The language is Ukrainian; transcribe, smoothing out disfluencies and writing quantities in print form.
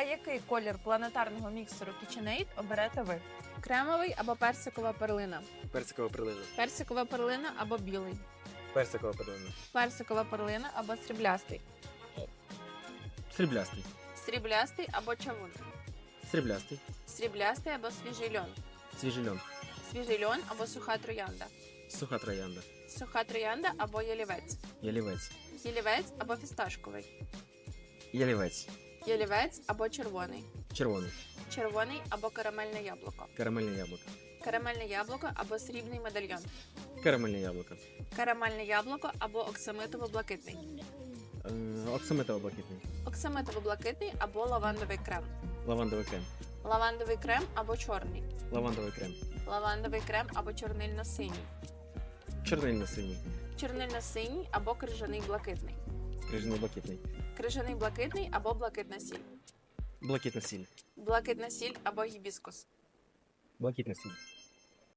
який колір планетарного міксеру KitchenAid оберете ви? Кремовий або персикова перлина. Персикова перлина. Персикова перлина або білий. Персикова перлина. Персикова перлина або сріблястий. Сріблястий. Сріблястий або чавун. Сріблястий. Сріблястий або свіжий льон. Свіжий льон. Свіжий льон або суха троянда. Суха троянда. Суха троянда або ялівець. Ялівець. Ялівець або фісташковий. Ялівець. Ялівець або червоний. Червоний. Червоний або карамельне яблуко. Карамельне яблуко. Карамельне яблуко або срібний медальйон. Карамельне яблуко. Карамельне яблуко або оксамитово-блакитний. Оксамитово-блакитний. Оксамитово-блакитний або лавандовий крем. Лавандовий крем. Лавандовий крем або чорний. Лавандовий крем. Лавандовий крем або чорнильно-синій. Чорнильно-синій. Чорнильно-синій або крижаний блакитний. Крижаний блакитний. Крижаний блакитний або блакитна сіль. Блакитна сіль. Блакитна сіль або гібіскус. Блакитна сіль.